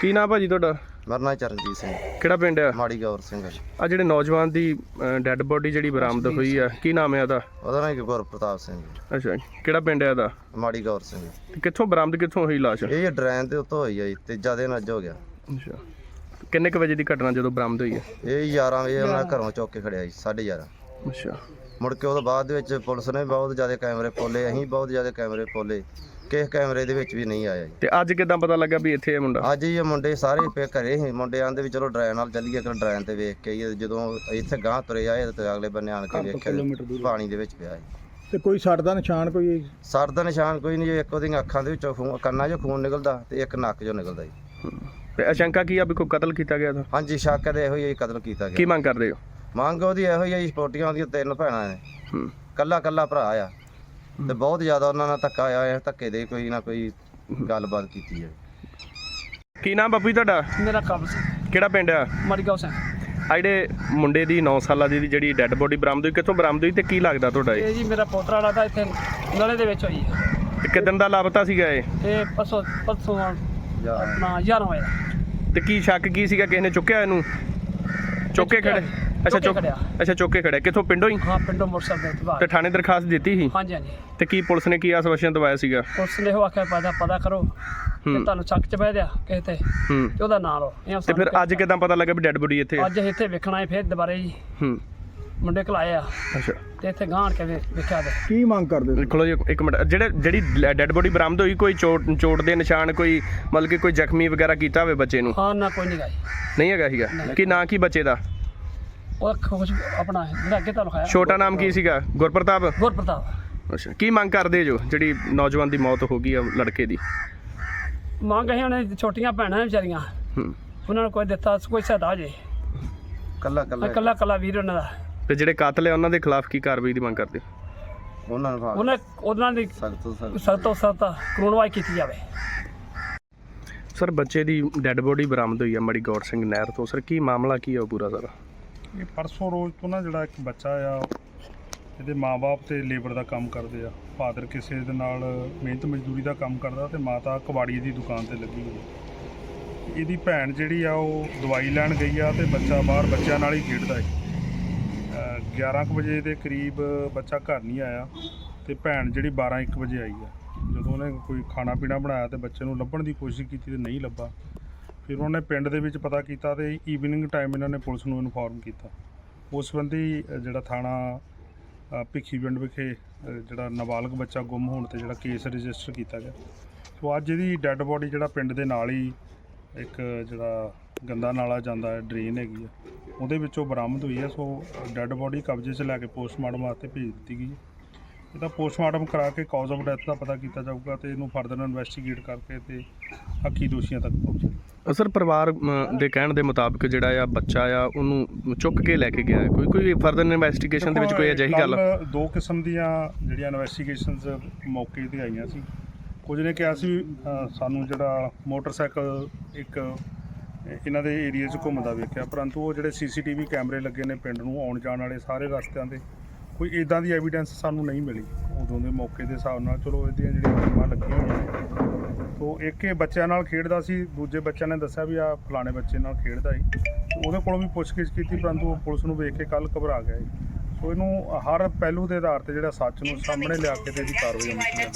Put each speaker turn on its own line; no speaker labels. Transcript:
ਕੀ ਨਾਮ ਭਾਜੀ ਤੁਹਾਡਾ?
ਮੇਰਾ ਨਾਮ ਚਰਨਜੀਤ ਸਿੰਘ।
ਕਿਹੜਾ ਪਿੰਡ ਆ?
ਮਾੜੀ ਗੌਰ ਸਿੰਘ ਹੈ।
ਆ ਜਿਹੜੇ ਨੌਜਵਾਨ ਦੀ ਡੈੱਡ ਬੋਡੀ ਜਿਹੜੀ ਬਰਾਮਦ ਹੋਈ ਆ, ਕੀ ਨਾਮ ਹੈ ਉਹਦਾ?
ਉਹਦਾ ਨਾਮ ਗੁਰਪ੍ਰਤਾਪ ਸਿੰਘ।
ਅੱਛਾ, ਕਿਹੜਾ ਪਿੰਡ ਹੈ ਇਹਦਾ?
ਮਾੜੀ ਗੌਰ ਸਿੰਘ।
ਤੇ ਕਿੱਥੋਂ ਬਰਾਮਦ ਕਿੱਥੋਂ ਹੋਈ ਲਾਸ਼?
ਇਹ ਡਰੇਨ ਦੇ ਉੱਤੋਂ ਹੋਈ ਆ ਜੀ, ਤੀਜਾ ਦਿਨ ਅੱਜ ਹੋ ਗਿਆ।
ਅੱਛਾ, ਕਿੰਨੇ ਕੁ ਵਜੇ ਦੀ ਘਟਨਾ ਜਦੋਂ ਬਰਾਮਦ ਹੋਈ ਹੈ?
ਇਹ 11 ਵਜੇ ਉਹਨਾਂ ਘਰੋਂ ਚੁੱਕ ਕੇ ਖੜਿਆ ਜੀ, 11:30।
ਅੱਛਾ,
ਮੁੜ ਕੇ ਉਹਦੇ ਬਾਅਦ ਦੇ ਵਿੱਚ ਪੁਲਿਸ ਨੇ ਬਹੁਤ ਜ਼ਿਆਦਾ ਕੈਮਰੇ ਪੋਲੇ, ਅਸੀਂ ਬਹੁਤ ਜ਼ਿਆਦਾ ਕੈਮਰੇ ਪੋਲੇ, ਕਿਸੇ ਕੈਮਰੇ ਦੇ ਵਿੱਚ ਵੀ ਨਹੀਂ ਆਇਆ ਜੀ।
ਤੇ ਅੱਜ ਕਿੱਦਾਂ ਪਤਾ ਲੱਗਾ ਵੀ ਇੱਥੇ ਇਹ ਮੁੰਡਾ?
ਅੱਜ ਇਹ ਮੁੰਡੇ ਸਾਰੇ ਘਰੇ ਸੀ। ਮੁੰਡੇ ਆਂਦੇ ਵੀ ਚਲੋ ਡਰੇਨ ਨਾਲ ਚੱਲੀਏ, ਕਿ ਡਰੇਨ ਤੇ ਵੇਖ ਕੇ ਆਈਏ। ਜਦੋਂ ਇੱਥੇ ਗਾਂਹ ਤੁਰੇ ਆਏ ਤੇ ਅਗਲੇ ਬੰਨੇ ਆਣ ਕੇ ਵੇਖਿਆ ਪਾਣੀ ਦੇ ਵਿੱਚ ਪਿਆ ਜੀ।
ਤੇ ਕੋਈ ਸੱਟ ਦਾ ਨਿਸ਼ਾਨ ਕੋਈ?
ਸਰ ਦਾ ਨਿਸ਼ਾਨ ਕੋਈ ਨਹੀਂ ਜੀ। ਇੱਕ ਉਹਦੀਆਂ ਅੱਖਾਂ ਦੇ ਵਿੱਚੋਂ ਖੂਨ, ਕੰਨਾਂ 'ਚੋਂ ਖੂਨ ਨਿਕਲਦਾ ਤੇ ਇੱਕ ਨੱਕ 'ਚੋਂ ਨਿਕਲਦਾ ਜੀ।
ਤੇ ਆਸ਼ੰਕਾ ਕੀ ਆ ਵੀ ਕੋਈ ਕਤਲ ਕੀਤਾ ਗਿਆ ਤਾਂ?
ਹਾਂਜੀ, ਸ਼ੱਕ ਤੇ ਇਹੋ ਹੀ ਕਤਲ ਕੀਤਾ
ਕੀ
ਗਿਆ।
ਮੰਗ ਕਰਦੇ ਹੋ?
ਮੰਗ ਉਹਦੀ ਇਹੋ ਹੀ ਆ ਜੀ, ਸਪੋਰਟੀਆਂ ਉਹਦੀਆਂ 3 ਭੈਣਾਂ ਨੇ, ਕੱਲਾ ਭਰਾ ਆ ਤੇ ਬਹੁਤ ਜ਼ਿਆਦਾ ਉਹਨਾਂ ਨਾਲ ਧੱਕਾ ਆਇਆ। ਧੱਕੇ ਦੇ ਕੋਈ ਨਾ ਕੋਈ ਗੱਲਬਾਤ ਕੀਤੀ ਹੈ।
ਕੀ ਨਾਮ ਬਾਪੂ ਜੀ ਤੁਹਾਡਾ?
ਮੇਰਾ ਕਬਜ਼
ਕਿਹੜਾ ਪਿੰਡ ਆ?
ਮੜਗਾਉਂ ਸਿੰਘ।
ਆ ਜਿਹੜੇ ਮੁੰਡੇ ਦੀ 9 ਸਾਲਾਂ ਦੀ ਜਿਹੜੀ ਡੈੱਡ ਬੋਡੀ ਬਰਾਮਦ ਹੋਈ, ਕਿੱਥੋਂ ਬਰਾਮਦ ਹੋਈ ਤੇ ਕੀ ਲੱਗਦਾ ਤੁਹਾਡਾ ਇਹ?
ਇਹ ਜੀ ਮੇਰਾ ਪੋਤਰਾ ਲੱਗਦਾ, ਇੱਥੇ ਨਲੇ ਦੇ ਵਿੱਚ ਹੋਈ ਹੈ।
ਤੇ ਕਿੱਦਣ ਦਾ ਲਾਪਤਾ ਸੀਗਾ ਇਹ?
ਇਹ ਪਰਸੋਂ ਆਪਣਾ 11 ਵਜੇ।
ਤੇ ਕੀ ਸ਼ੱਕ ਕੀ ਸੀਗਾ? ਕਿਸੇ ਨੇ ਚੁੱਕਿਆ ਇਹਨੂੰ? ਚੁੱਕ ਕੇ ਖੜੇ? ਅੱਛਾ, ਚੁੱਕ ਕੇ ਖੜਿਆ। ਕਿੱਥੋਂ? ਪਿੰਡੋਂ ਹੀ?
ਹਾਂ, ਪਿੰਡੋਂ ਮੋਟਰਸਾਈਕਲ ਤੇ ਬਾਹਰ।
ਤੇ ਥਾਣੇ ਦਰਖਾਸਤ ਦਿੱਤੀ ਸੀ?
ਹਾਂਜੀ ਹਾਂਜੀ।
ਤੇ ਕੀ ਪੁਲਿਸ ਨੇ ਕੀ ਆਸ਼ਵਾਸਨ ਦਵਾਇਆ ਸੀਗਾ?
ਪੁਲਿਸ ਨੇ ਉਹ ਆਖਿਆ ਪਤਾ ਕਰੋ ਕਿ ਤੁਹਾਨੂੰ ਸ਼ੱਕ ਚ ਬਹਿ ਦਿਆ ਕਿਸੇ ਤੇ ਤੇ ਉਹਦਾ ਨਾਂ ਲਓ।
ਤੇ ਫਿਰ ਅੱਜ ਕਿਦਾਂ ਪਤਾ ਲੱਗਾ ਵੀ ਡੈੱਡ ਬੋਡੀ ਇੱਥੇ?
ਅੱਜ ਇੱਥੇ ਵੇਖਣਾ ਹੈ ਫਿਰ ਦੁਬਾਰੇ ਜੀ। ਮੁੰਡੇ ਘਲਾਏ ਆ।
ਅੱਛਾ,
ਤੇ ਇੱਥੇ ਗਾਂਹ ਕੇ ਵੇਖਿਆ ਤੇ
ਕੀ ਮੰਗ ਕਰਦੇ?
ਦੇਖੋ ਜੀ ਇੱਕ ਮਿੰਟ, ਜਿਹੜੀ ਡੈੱਡ ਬੋਡੀ ਬਰਾਮਦ ਹੋਈ, ਕੋਈ ਚੋਟ ਦੇ ਨਿਸ਼ਾਨ, ਕੋਈ ਮਤਲਬ ਕਿ ਕੋਈ ਜ਼ਖਮੀ ਵਗੈਰਾ ਕੀਤਾ ਹੋਵੇ ਬੱਚੇ ਨੂੰ?
ਹਾਂ ਨਾ, ਕੋਈ ਨਹੀਂ ਗਾਈ।
ਨਹੀਂ ਹੈਗਾ ਸੀਗਾ? ਕੀ ਨਾਂ ਕੀ ਬੱਚੇ ਦਾ?
ਉਹ ਖੁਸ਼ ਆਪਣਾ ਜਿਹੜਾ ਅੱਗੇ ਤੁਹਾਨੂੰ ਖਾਇਆ।
ਛੋਟਾ ਨਾਮ ਕੀ ਸੀਗਾ? ਗੁਰਪ੍ਰਤਾਪ। ਅੱਛਾ, ਕੀ ਮੰਗ ਕਰਦੇ ਜੋ ਜਿਹੜੀ ਨੌਜਵਾਨ ਦੀ ਮੌਤ ਹੋ ਗਈ ਆ ਲੜਕੇ ਦੀ?
ਮੰਗ ਅਸੀਂ ਉਹਨੇ ਛੋਟੀਆਂ ਭੈਣਾਂ ਵਿਚਾਰੀਆਂ, ਉਹਨਾਂ ਨੂੰ ਕੋਈ ਦਿੱਤਾ, ਕੋਈ ਸਹਾਇਤਾ ਜੇ। ਕੱਲਾ ਵੀਰ ਉਹਨਾਂ ਦਾ।
ਤੇ ਜਿਹੜੇ ਕਾਤਲ ਆ ਉਹਨਾਂ ਦੇ ਖਿਲਾਫ ਕੀ ਕਾਰਵਾਈ ਦੀ ਮੰਗ ਕਰਦੇ?
ਉਹਨਾਂ ਦੀ ਸਖਤ ਤੋਂ ਸਖਤ ਕਾਨੂੰਨਵਾਈ ਕੀਤੀ ਜਾਵੇ।
ਸਰ, ਬੱਚੇ ਦੀ ਡੈੱਡ ਬੋਡੀ ਬਰਾਮਦ ਹੋਈ ਆ ਮੜੀ ਗੌਰ ਸਿੰਘ ਨਹਿਰ ਤੋਂ। ਸਰ, ਕੀ ਮਾਮਲਾ ਕੀ ਆ ਉਹ ਪੂਰਾ ਸਾਰਾ?
ਇਹ ਪਰਸੋਂ ਰੋਜ਼ ਤੋਂ ਨਾ ਜਿਹੜਾ ਇੱਕ ਬੱਚਾ ਆ, ਇਹਦੇ ਮਾਂ-ਬਾਪ ਤੇ ਲੇਬਰ ਦਾ ਕੰਮ ਕਰਦੇ ਆ। ਫਾਦਰ ਕਿਸੇ ਦੇ ਨਾਲ ਮਿਹਨਤ ਮਜ਼ਦੂਰੀ ਦਾ ਕੰਮ ਕਰਦਾ ਤੇ ਮਾਤਾ ਕਬਾੜੀ ਦੀ ਦੁਕਾਨ ਤੇ ਲੱਗੀ ਹੋਈ। ਇਹਦੀ ਭੈਣ ਜਿਹੜੀ ਆ ਉਹ ਦਵਾਈ ਲੈਣ ਗਈ ਆ ਤੇ ਬੱਚਾ ਬਾਹਰ ਬੱਚਿਆਂ ਨਾਲ ਹੀ ਖੇਡਦਾ ਹੈ। 11 ਵਜੇ ਦੇ ਕਰੀਬ ਬੱਚਾ ਘਰ ਨਹੀਂ ਆਇਆ ਤੇ ਭੈਣ ਜਿਹੜੀ 12-1 ਵਜੇ ਆਈ ਆ। ਜਦੋਂ ਉਹਨੇ ਕੋਈ ਖਾਣਾ ਪੀਣਾ ਬਣਾਇਆ ਤੇ ਬੱਚੇ ਨੂੰ ਲੱਭਣ ਦੀ ਕੋਸ਼ਿਸ਼ ਕੀਤੀ ਤੇ ਨਹੀਂ ਲੱਭਾ। ਫਿਰ ਉਹਨੇ ਪਿੰਡ ਦੇ ਵਿੱਚ ਪਤਾ ਕੀਤਾ ਤੇ ਈਵਨਿੰਗ ਟਾਈਮ ਇਹਨਾਂ ਨੇ ਪੁਲਿਸ ਨੂੰ ਇਨਫੋਰਮ ਕੀਤਾ। ਉਸ ਸੰਬੰਧੀ ਜਿਹੜਾ ਥਾਣਾ ਭਿੱਖੀ ਪਿੰਡ ਵਿਖੇ ਜਿਹੜਾ ਨਾਬਾਲਗ ਬੱਚਾ ਗੁੰਮ ਹੋਣ ਤੇ ਜਿਹੜਾ ਕੇਸ ਰਜਿਸਟਰ ਕੀਤਾ ਗਿਆ। ਸੋ ਅੱਜ ਇਹਦੀ ਡੈੱਡ ਬੋਡੀ ਜਿਹੜਾ ਪਿੰਡ ਦੇ ਨਾਲ ਹੀ ਇੱਕ ਜਿਹੜਾ ਗੰਦਾ ਨਾਲਾ ਜਾਂਦਾ ਹੈ, ਡਰੇਨ ਹੈਗੀ ਆ, ਉਹਦੇ ਵਿੱਚੋਂ ਬਰਾਮਦ ਹੋਈ ਹੈ। ਸੋ ਡੈੱਡ ਬੋਡੀ ਕਬਜ਼ੇ 'ਚ ਲੈ ਕੇ ਪੋਸਟਮਾਰਟਮ ਵਾਸਤੇ ਭੇਜ ਦਿੱਤੀ ਗਈ ਹੈ। ਇਹਦਾ ਪੋਸਟਮਾਰਟਮ ਕਰਾ ਕੇ ਕਾਜ਼ ਆਫ ਡੈਥ ਦਾ ਪਤਾ ਕੀਤਾ ਜਾਊਗਾ ਤੇ ਇਹਨੂੰ ਫਰਦਰ ਇਨਵੈਸਟੀਗੇਟ ਕਰਕੇ ਤੇ ਹੱਕੀ ਦੋਸ਼ੀਆਂ ਤੱਕ ਪਹੁੰਚੇਗਾ।
ਸਰ, ਪਰਿਵਾਰ ਦੇ ਕਹਿਣ ਦੇ ਮੁਤਾਬਕ ਜਿਹੜਾ ਆ ਬੱਚਾ ਆ ਉਹਨੂੰ ਚੁੱਕ ਕੇ ਲੈ ਕੇ ਗਿਆ ਹੈ। ਕੋਈ ਫਰਦਰ ਇਨਵੈਸਟੀਗੇਸ਼ਨ ਦੇ ਵਿੱਚ ਕੋਈ ਅਜਿਹੀ ਗੱਲ?
2 ਕਿਸਮ ਦੀਆਂ ਜਿਹੜੀਆਂ ਇਨਵੈਸਟੀਗੇਸ਼ਨਸ ਮੌਕੇ ਤੇ ਆਈਆਂ ਸੀ। ਕੁਝ ਨੇ ਕਿਹਾ ਸੀ ਸਾਨੂੰ ਜਿਹੜਾ ਮੋਟਰਸਾਈਕਲ ਇੱਕ ਇਹਨਾਂ ਦੇ ਏਰੀਏ 'ਚ ਘੁੰਮਦਾ ਵੇਖਿਆ, ਪਰੰਤੂ ਉਹ ਜਿਹੜੇ CCTV ਕੈਮਰੇ ਲੱਗੇ ਨੇ ਪਿੰਡ ਨੂੰ ਆਉਣ ਜਾਣ ਵਾਲੇ ਸਾਰੇ ਰਸਤਿਆਂ 'ਤੇ, ਕੋਈ ਇੱਦਾਂ ਦੀ ਐਵੀਡੈਂਸ ਸਾਨੂੰ ਨਹੀਂ ਮਿਲੀ ਉਦੋਂ ਦੇ ਮੌਕੇ ਦੇ ਹਿਸਾਬ ਨਾਲ। ਚਲੋ ਇਹਦੀਆਂ ਜਿਹੜੀਆਂ ਟੀਮਾਂ ਲੱਗੀਆਂ ਹੋਈਆਂ ਨੇ। ਸੋ ਇੱਕ ਇਹ ਬੱਚਿਆਂ ਨਾਲ ਖੇਡਦਾ ਸੀ, ਦੂਜੇ ਬੱਚਿਆਂ ਨੇ ਦੱਸਿਆ ਵੀ ਆ ਫਲਾਣੇ ਬੱਚੇ ਨਾਲ ਖੇਡਦਾ ਸੀ। ਉਹਦੇ ਕੋਲੋਂ ਵੀ ਪੁੱਛਗਿੱਛ ਕੀਤੀ, ਪਰੰਤੂ ਉਹ ਪੁਲਿਸ ਨੂੰ ਵੇਖ ਕੇ ਕੱਲ੍ਹ ਘਬਰਾ ਗਿਆ। ਸੋ ਇਹਨੂੰ ਹਰ ਪਹਿਲੂ ਦੇ ਆਧਾਰ 'ਤੇ ਜਿਹੜਾ ਸੱਚ ਨੂੰ ਸਾਹਮਣੇ ਲਿਆ ਕੇ ਤੇ ਇਹਦੀ ਕਾਰਵਾਈ ਹੋਣੀ ਚਾਹੀਦੀ ਹੈ।